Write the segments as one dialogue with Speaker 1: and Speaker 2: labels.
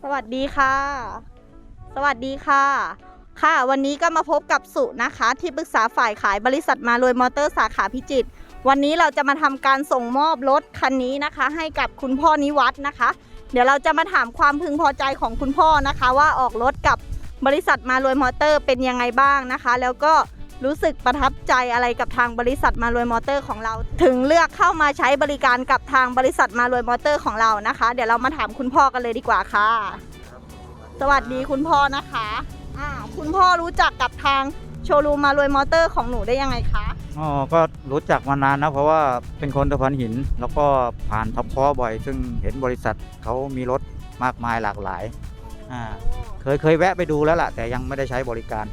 Speaker 1: สวัสดีค่ะ สวัสดีค่ะค่ะวันนี้ก็มาพบกับสุนะคะที่ปรึกษาฝ่ายขายบริษัทมารวยมอเตอร์สาขาพิจิตรวันนี้เราจะมาทำการส่งมอบรถคันนี้นะคะให้กับคุณพ่อนิวัฒน์นะคะ เดี๋ยวเราจะมาถามความพึงพอใจของคุณพ่อนะคะว่าออกรถกับบริษัทมารวยมอเตอร์เป็นยังไงบ้างนะคะแล้วก็รู้สึกประทับใจอะไรกับทางบริษัทมารวยมอเตอร์ของเราถึงเลือกเข้ามาใช้บริการกับทางบริษัทมารวยมอเตอร์ของเรานะคะเดี๋ยวเรามาถามคุณพ่อกันเลยดีกว่าค่ะสวัสดีคุณพ่อนะคะคุณพ่อรู้จักกับทางโชว์รูมมารวยมอเตอร์ของหนูได้ยังไงคะ
Speaker 2: อ๋อก็รู้จักมานานนะเพราะว่าเป็นคนตะพานหินแล้วก็ผ่านท็อปคอบ่อยซึ่งเห็นบริษัทเขามีรถมากมายหลากหลายเคยแวะไปดูแล้วล่ะแต่ยังไม่ได้ใช้บริการ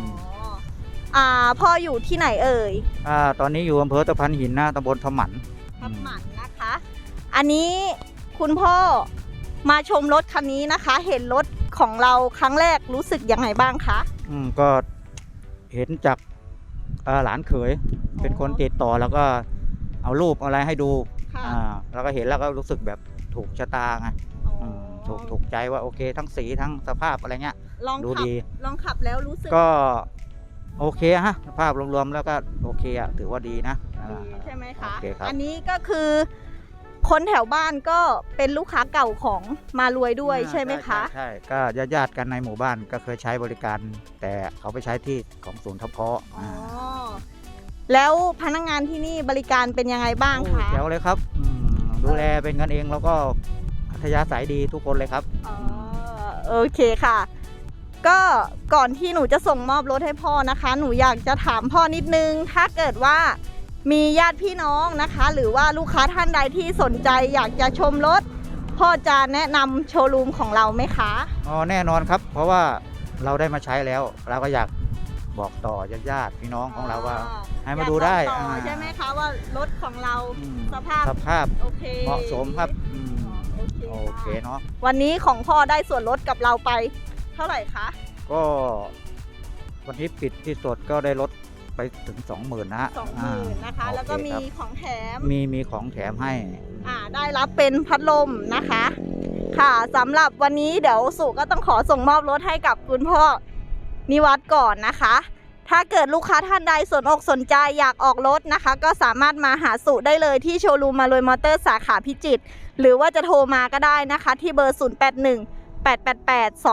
Speaker 1: พ่ออยู่ที่ไหนเอ่ย
Speaker 2: ตอนนี้อยู่อำเภอตะพานหินนะตำบลทำหมัน
Speaker 1: นะคะอันนี้คุณพ่อมาชมรถคันนี้นะคะเห็นรถของเราครั้งแรกรู้สึกยังไงบ้างคะ
Speaker 2: ก็เห็นจากหลานเขยเป็นคนติดต่อแล้วก็เอารูปอะไรให้ดูแล้วก็เห็นแล้วก็รู้สึกแบบถูกชะตาไงถูกใจว่าโอเคทั้งสีทั้งสภาพอะไรเงี้ยดูดี
Speaker 1: ลองขับแล้วรู้สึก
Speaker 2: ก็โอเคฮะภาพรวมๆแล้วก็โอเคอะถือว่าดีนะ
Speaker 1: ใช่ไหมคะอันนี้ก็คือคนแถวบ้านก็เป็นลูกค้าเก่าของมารวยด้วยใช่ไหมคะ
Speaker 2: ใช่ก็ญาติกันในหมู่บ้านก็เคยใช้บริการแต่เขาไปใช้ที่ของศูนย์ทับเพาะ
Speaker 1: แล้วพนักงานที่นี่บริการเป็นยังไงบ้างคะ
Speaker 2: เจ๋วเลยครับดูแลเป็นกันเองแล้วก็อัธยาศัยดีทุกคนเลยครับ
Speaker 1: โอเคค่ะก็ก่อนที่หนูจะส่งมอบรถให้พ่อนะคะหนูอยากจะถามพ่อนิดนึงถ้าเกิดว่ามีญาติพี่น้องนะคะหรือว่าลูกค้าท่านใดที่สนใจอยากจะชมรถพ่อจะแนะนำโชว์รูมของเราไหมคะ
Speaker 2: แน่นอนครับเพราะว่าเราได้มาใช้แล้วเราก็อยากบอกต่อญาติพี่น้องของเราว่าให้มาดูได้
Speaker 1: ใช่ไหมคะว่ารถของเราสภาพ
Speaker 2: โอเคเหมาะสมครับโอเคเนาะ
Speaker 1: วันนี้ของพ่อได้ส่วนลดกับเราไปเท่าไหร่คะ
Speaker 2: ก็วันนี้ปิดที่สดก็ได้ลดไปถึง 20,000 นะ
Speaker 1: 20,000นะคะแล้วก็มีของแถม
Speaker 2: มีของแถมให้
Speaker 1: ได้รับเป็นพัดลมนะคะค่ะสำหรับวันนี้เดี๋ยวสุก็ต้องขอส่งมอบรถให้กับคุณพ่อนิวัฒน์ก่อนนะคะถ้าเกิดลูกค้าท่านใดสนอกสนใจอยากออกรถนะคะก็สามารถมาหาสุได้เลยที่โชว์รูมมารวยมอเตอร์สาขาพิจิตรหรือว่าจะโทรมาก็ได้นะคะที่เบอร์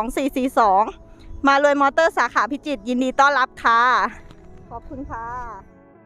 Speaker 1: 0818882442 มารวยมอเตอร์สาขาพิจิตรยินดีต้อนรับค่ะขอบคุณค่ะ